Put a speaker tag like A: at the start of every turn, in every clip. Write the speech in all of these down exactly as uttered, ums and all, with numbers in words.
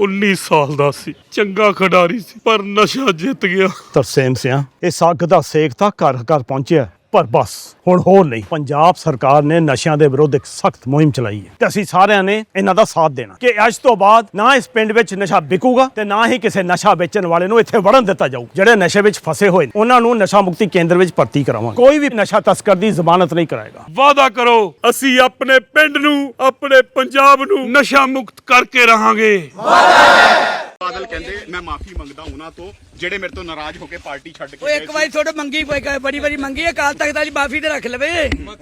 A: उन्नीस साल दा सी, चंगा खिडारी सी, पर नशा जित गया।
B: ਤਰਸੇਮ ਸਿਆਂ ਇਸ ਅੱਗ ਦਾ ਸੇਕ ਤਾਂ ਘਰ ਘਰ ਪਹੁੰਚਿਆ, ਪਰ ਬਸ ਹੁਣ ਹੋਰ ਨਹੀਂ। ਪੰਜਾਬ ਸਰਕਾਰ ਨੇ ਨਸ਼ਿਆਂ ਦੇ ਵਿਰੁੱਧ ਇੱਕ ਸਖਤ ਮੁਹਿੰਮ ਚਲਾਈ ਹੈ ਤੇ ਅਸੀਂ ਸਾਰਿਆਂ ਨੇ ਇਹਨਾਂ ਦਾ ਸਾਥ ਦੇਣਾ ਕਿ ਅੱਜ ਤੋਂ ਬਾਅਦ ਨਾ ਇਸ ਪਿੰਡ ਵਿੱਚ ਨਸ਼ਾ ਵਿਕੂਗਾ ਤੇ ਨਾ ਹੀ ਕਿਸੇ ਨਸ਼ਾ ਵੇਚਣ ਵਾਲੇ ਨੂੰ ਇੱਥੇ ਵੜਨ ਦਿੱਤਾ ਜਾਊ। ਜਿਹੜੇ ਨਸ਼ੇ ਵਿੱਚ ਫਸੇ ਹੋਏ ਨੇ ਉਹਨਾਂ ਨੂੰ ਨਸ਼ਾ ਮੁਕਤੀ ਕੇਂਦਰ ਵਿੱਚ ਭਰਤੀ ਕਰਾਵਾਂਗੇ। ਕੋਈ ਵੀ ਨਸ਼ਾ ਤਸਕਰ ਦੀ ਜ਼ਮਾਨਤ ਨਹੀਂ ਕਰਾਏਗਾ।
A: वादा करो ਅਸੀਂ ਆਪਣੇ ਪਿੰਡ ਨੂੰ, ਆਪਣੇ ਪੰਜਾਬ ਨੂੰ ਨਸ਼ਾ ਮੁਕਤ ਕਰਕੇ ਰਹਾਂਗੇ।
C: ਬਾਦਲ ਕਹਿੰਦੇ ਮੈਂ ਮਾਫੀ ਮੰਗਦਾ ਉਹਨਾਂ ਤੋਂ ਜਿਹੜੇ ਮੇਰੇ ਤੋਂ ਨਾਰਾਜ਼ ਹੋ ਕੇ ਪਾਰਟੀ ਛੱਡ ਕੇ
D: ਉਹ ਇੱਕ ਵਾਰੀ ਥੋੜਾ ਮੰਗੀ ਬੜੀ ਬੜੀ ਮੰਗੀ ਹੈ, ਕਾਲ ਤਖਤ ਵਾਲੀ ਮਾਫੀ ਤੇ ਰੱਖ ਲਵੇ।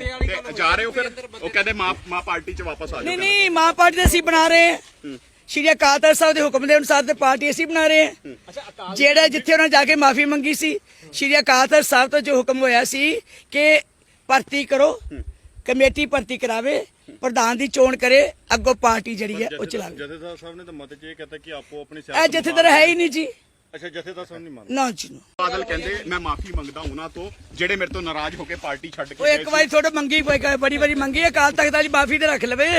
C: ਤੇ ਜਾ ਰਹੇ ਹੋ ਫਿਰ ਉਹ ਕਹਿੰਦੇ ਮਾਂ ਮਾਂ ਪਾਰਟੀ ਚ ਵਾਪਸ ਆ
D: ਨਹੀਂ
C: ਜਾਓ।
D: ਨਹੀਂ, ਮਾਂ ਪਾਰਟੀ ਤੇ ਅਸੀਂ ਬਣਾ ਰਹੇ ਹਾਂ। ਸ਼੍ਰੀ ਅਕਾਲ ਤਖਤ ਸਾਹਿਬ ਦੇ ਹੁਕਮ ਦੇ ਅਨੁਸਾਰ ਤੇ ਪਾਰਟੀ ਅਸੀਂ ਬਣਾ ਰਹੇ ਹਾਂ। ਜਿਹੜਾ ਜਿੱਥੇ ਉਹਨਾਂ ਜਾ ਕੇ ਮਾਫੀ ਮੰਗੀ ਸੀ, ਸ਼੍ਰੀ ਅਕਾਲ ਤਖਤ ਸਾਹਿਬ ਤੋਂ ਜੋ ਹੁਕਮ ਹੋਇਆ ਸੀ ਕਿ ਭਰਤੀ ਕਰੋ, ਕਮੇਟੀ ਭਰਤੀ ਕਰਾਵੇ, ਪ੍ਰਧਾਨ ਦੀ ਚੋਣ ਕਰੇ, ਅੱਗੋਂ ਪਾਰਟੀ ਜਿਹੜੀ ਹੈ ਉਹ ਚਲਾਵੇ।
E: ਜਥੇਦਾਰ ਸਾਹਿਬ ਨੇ ਤਾਂ ਮਤ ਚ ਇਹ ਕਹਤਾ ਕਿ ਆਪੋ ਆਪਣੀ
D: ਇਹ ਜਥੇਦਾਰ ਹੈ ਹੀ ਨਹੀਂ ਜੀ।
E: ਅੱਛਾ, ਜਥੇਦਾਰ ਸਾਹਿਬ ਨਹੀਂ ਮੰਨਦੇ
D: ਨਾ ਜੀ।
C: ਬਾਦਲ ਕਹਿੰਦੇ ਮੈਂ ਮਾਫੀ ਮੰਗਦਾ ਉਹਨਾਂ ਤੋਂ ਜਿਹੜੇ ਮੇਰੇ ਤੋਂ ਨਾਰਾਜ਼ ਹੋ ਕੇ ਪਾਰਟੀ ਛੱਡ
D: ਉਹ
C: ਕੇ
D: ਇੱਕ ਵਾਰੀ ਥੋੜਾ ਮੰਗੀ ਬੜੀ ਬੜੀ ਮੰਗੀ ਹੈ, ਕਾਲ ਤਖਤ ਵਾਲੀ ਮਾਫੀ ਤੇ ਰੱਖ ਲਵੇ।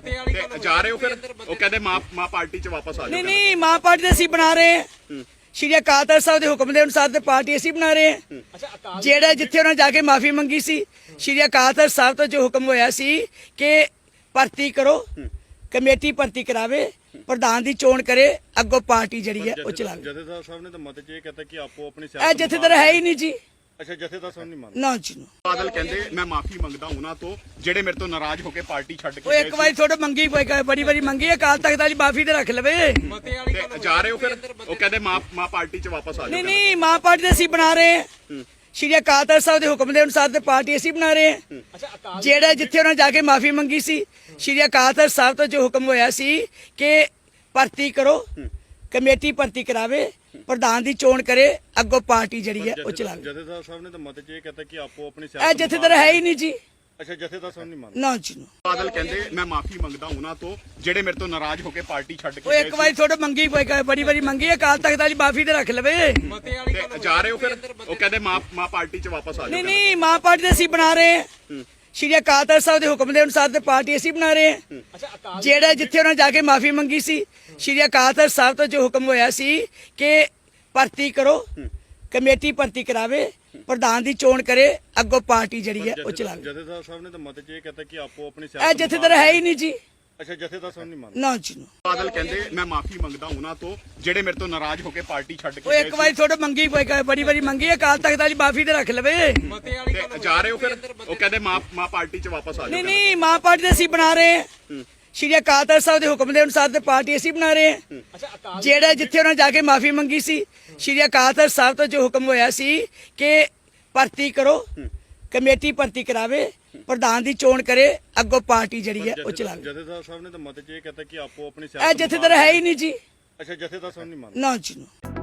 C: ਤੇ ਜਾ ਰਹੇ ਹੋ ਫਿਰ ਉਹ ਕਹਿੰਦੇ ਮਾਂ ਮਾਂ ਪਾਰਟੀ ਚ ਵਾਪਸ ਆ
D: ਨਹੀਂ
C: ਜਾਓ।
D: ਨਹੀਂ, ਮਾਂ ਪਾਰਟੀ ਤੇ ਅਸੀਂ ਬਣਾ ਰਹੇ ਹਾਂ। ਸ਼੍ਰੀ ਅਕਾਲ ਤਖਤ ਸਾਹਿਬ ਦੇ ਹੁਕਮ ਦੇ ਅਨੁਸਾਰ ਤੇ ਪਾਰਟੀ ਅਸੀਂ ਬਣਾ ਰਹੇ ਹਾਂ। ਜਿਹੜਾ ਜਿੱਥੇ ਉਹਨਾਂ ਜਾ ਕੇ ਮਾਫੀ ਮੰਗੀ ਸੀ, ਸ਼੍ਰੀ ਅਕਾਲ ਤਖਤ ਸਾਹਿਬ ਤੋਂ ਜੋ ਹੁਕਮ ਹੋਇਆ ਸੀ ਕਿ ਭਰਤੀ ਕਰੋ, ਕਮੇਟੀ ਭਰਤੀ ਕਰਾਵੇ, ਪ੍ਰਧਾਨ ਦੀ ਚੋਣ ਕਰੇ, ਅੱਗੋਂ ਪਾਰਟੀ ਜਿਹੜੀ ਹੈ ਉਹ ਚਲਾਵੇ।
E: ਜਥੇਦਾਰ ਸਾਹਿਬ ਨੇ ਤਾਂ ਮਤ ਚ ਇਹ ਕਹਤਾ ਕਿ ਆਪੋ ਆਪਣੀ
D: ਇਹ ਜਥੇਦਾਰ ਹੈ ਹੀ ਨਹੀਂ ਜੀ।
E: ਅੱਛਾ, ਜਥੇਦਾਰ ਸਾਹਿਬ ਨਹੀਂ ਮੰਨਦੇ
D: ਨਾ ਜੀ।
C: ਬਾਦਲ ਕਹਿੰਦੇ ਮੈਂ ਮਾਫੀ ਮੰਗਦਾ ਉਹਨਾਂ ਤੋਂ ਜਿਹੜੇ ਮੇਰੇ ਤੋਂ ਨਾਰਾਜ਼ ਹੋ ਕੇ ਪਾਰਟੀ ਛੱਡ
D: ਉਹ
C: ਕੇ
D: ਇੱਕ ਵਾਰੀ ਥੋੜਾ ਮੰਗੀ ਬੜੀ ਬੜੀ ਮੰਗੀ ਹੈ, ਕਾਲ ਤਖਤ ਵਾਲੀ ਮਾਫੀ ਤੇ ਰੱਖ ਲਵੇ।
C: ਤੇ ਜਾ ਰਹੇ ਹੋ ਫਿਰ ਉਹ ਕਹਿੰਦੇ ਮਾਂ ਮਾਂ ਪਾਰਟੀ ਚ ਵਾਪਸ ਆ
D: ਨਹੀਂ
C: ਜਾਓ।
D: ਨਹੀਂ, ਮਾਂ ਪਾਰਟੀ ਤੇ ਅਸੀਂ ਬਣਾ ਰਹੇ ਹਾਂ। ਸ਼੍ਰੀ ਅਕਾਲ ਤਖਤ ਸਾਹਿਬ ਦੇ ਹੁਕਮ ਦੇ ਅਨੁਸਾਰ ਤੇ ਪਾਰਟੀ ਅਸੀਂ ਬਣਾ ਰਹੇ ਹਾਂ। ਜਿਹੜਾ ਜਿੱਥੇ ਉਹਨਾਂ ਜਾ ਕੇ ਮਾਫੀ ਮੰਗੀ ਸੀ, ਸ਼੍ਰੀ ਅਕਾਲ ਤਖਤ ਸਾਹਿਬ ਤੋਂ ਜੋ ਹੁਕਮ ਹੋਇਆ ਸੀ ਕਿ ਭਰਤੀ ਕਰੋ, ਕਮੇਟੀ ਭਰਤੀ ਕਰਾਵੇ, ਪ੍ਰਧਾਨ ਦੀ ਚੋਣ ਕਰੇ, ਅੱਗੋਂ ਪਾਰਟੀ ਜਿਹੜੀ ਹੈ ਉਹ ਚਲਾਵੇ।
E: ਜਥੇਦਾਰ ਸਾਹਿਬ ਨੇ ਤਾਂ ਮਤ ਚ ਇਹ ਕਹਤਾ ਕਿ ਆਪੋ ਆਪਣੀ
D: ਇਹ ਜਥੇਦਾਰ ਹੈ ਹੀ ਨਹੀਂ ਜੀ।
E: ਅੱਛਾ, ਜਥੇਦਾਰ ਸਾਹਿਬ ਨਹੀਂ ਮੰਨਦੇ
D: ਨਾ ਜੀ।
C: ਬਾਦਲ ਕਹਿੰਦੇ ਮੈਂ ਮਾਫੀ ਮੰਗਦਾ ਉਹਨਾਂ ਤੋਂ ਜਿਹੜੇ ਮੇਰੇ ਤੋਂ ਨਾਰਾਜ਼ ਹੋ ਕੇ ਪਾਰਟੀ ਛੱਡ
D: ਉਹ
C: ਕੇ
D: ਇੱਕ ਵਾਰੀ ਥੋੜਾ ਮੰਗੀ ਬੜੀ ਬੜੀ ਮੰਗੀ ਹੈ, ਕਾਲ ਤਖਤ ਵਾਲੀ ਮਾਫੀ ਤੇ ਰੱਖ ਲਵੇ।
C: ਤੇ ਜਾ ਰਹੇ ਹੋ ਫਿਰ ਉਹ ਕਹਿੰਦੇ ਮਾਂ ਮਾਂ ਪਾਰਟੀ ਚ ਵਾਪਸ ਆ
D: ਨਹੀਂ
C: ਜਾਓ।
D: ਨਹੀਂ, ਮਾਂ ਪਾਰਟੀ ਤੇ ਅਸੀਂ ਬਣਾ ਰਹੇ ਹਾਂ। ਸ਼੍ਰੀ ਅਕਾਲ ਤਖਤ ਸਾਹਿਬ ਦੇ ਹੁਕਮ ਦੇ ਅਨੁਸਾਰ ਤੇ ਪਾਰਟੀ ਅਸੀਂ ਬਣਾ ਰਹੇ ਹਾਂ। ਜਿਹੜਾ ਜਿੱਥੇ ਉਹਨਾਂ ਜਾ ਕੇ ਮਾਫੀ ਮੰਗੀ ਸੀ, ਸ਼੍ਰੀ ਅਕਾਲ ਤਖਤ ਸਾਹਿਬ ਤੋਂ ਜੋ ਹੁਕਮ ਹੋਇਆ ਸੀ ਕਿ ਭਰਤੀ ਕਰੋ, ਕਮੇਟੀ ਭਰਤੀ ਕਰਾਵੇ, ਪ੍ਰਧਾਨ ਦੀ ਚੋਣ ਕਰੇ, ਅੱਗੋਂ ਪਾਰਟੀ ਜਿਹੜੀ ਹੈ ਉਹ ਚਲਾਵੇ।
E: ਜਥੇਦਾਰ ਸਾਹਿਬ ਨੇ ਤਾਂ ਮਤ ਚ ਇਹ ਕਹਤਾ ਕਿ ਆਪੋ ਆਪਣੀ
D: ਇਹ ਜਥੇਦਾਰ ਹੈ ਹੀ ਨਹੀਂ ਜੀ।
E: ਅੱਛਾ, ਜਥੇਦਾਰ ਸਾਹਿਬ ਨਹੀਂ ਮੰਨਦੇ
D: ਨਾ ਜੀ।
C: ਬਾਦਲ ਕਹਿੰਦੇ ਮੈਂ ਮਾਫੀ ਮੰਗਦਾ ਉਹਨਾਂ ਤੋਂ ਜਿਹੜੇ ਮੇਰੇ ਤੋਂ ਨਾਰਾਜ਼ ਹੋ ਕੇ ਪਾਰਟੀ ਛੱਡ
D: ਉਹ
C: ਕੇ
D: ਇੱਕ ਵਾਰੀ ਥੋੜਾ ਮੰਗੀ ਬੜੀ ਬੜੀ ਮੰਗੀ ਹੈ, ਕਾਲ ਤਖਤ ਵਾਲੀ ਮਾਫੀ ਤੇ ਰੱਖ ਲਵੇ।
C: ਤੇ ਜਾ ਰਹੇ ਹੋ ਫਿਰ ਉਹ ਕਹਿੰਦੇ ਮਾਂ ਮਾਂ ਪਾਰਟੀ ਚ ਵਾਪਸ ਆ
D: ਨਹੀਂ
C: ਜਾਓ।
D: ਨਹੀਂ, ਮਾਂ ਪਾਰਟੀ ਤੇ ਅਸੀਂ ਬਣਾ ਰਹੇ ਹਾਂ। ਸ਼੍ਰੀ ਅਕਾਲ ਤਖਤ ਸਾਹਿਬ ਦੇ ਹੁਕਮ ਦੇ ਅਨੁਸਾਰ ਤੇ ਪਾਰਟੀ ਅਸੀਂ ਬਣਾ ਰਹੇ ਹਾਂ। ਜਿਹੜਾ ਜਿੱਥੇ ਉਹਨਾਂ ਜਾ ਕੇ ਮਾਫੀ ਮੰਗੀ ਸੀ, ਸ਼੍ਰੀ ਅਕਾਲ ਤਖਤ ਸਾਹਿਬ ਤੋਂ ਜੋ ਹੁਕਮ ਹੋਇਆ ਸੀ ਕਿ ਭਰਤੀ ਕਰੋ, ਕਮੇਟੀ ਭਰਤੀ ਕਰਾਵੇ, ਪ੍ਰਧਾਨ ਦੀ ਚੋਣ ਕਰੇ, ਅੱਗੋਂ ਪਾਰਟੀ ਜਿਹੜੀ ਹੈ ਉਹ ਚਲਾਵੇ।
E: ਜਥੇਦਾਰ ਸਾਹਿਬ ਨੇ ਤਾਂ ਮਤ ਚ ਇਹ ਕਹਤਾ ਕਿ ਆਪੋ ਆਪਣੀ
D: ਇਹ ਜਥੇਦਾਰ ਹੈ ਹੀ ਨਹੀਂ ਜੀ।
E: ਅੱਛਾ, ਜਥੇਦਾਰ ਸਾਹਿਬ ਨਹੀਂ ਮੰਨਦੇ
D: ਨਾ ਜੀ।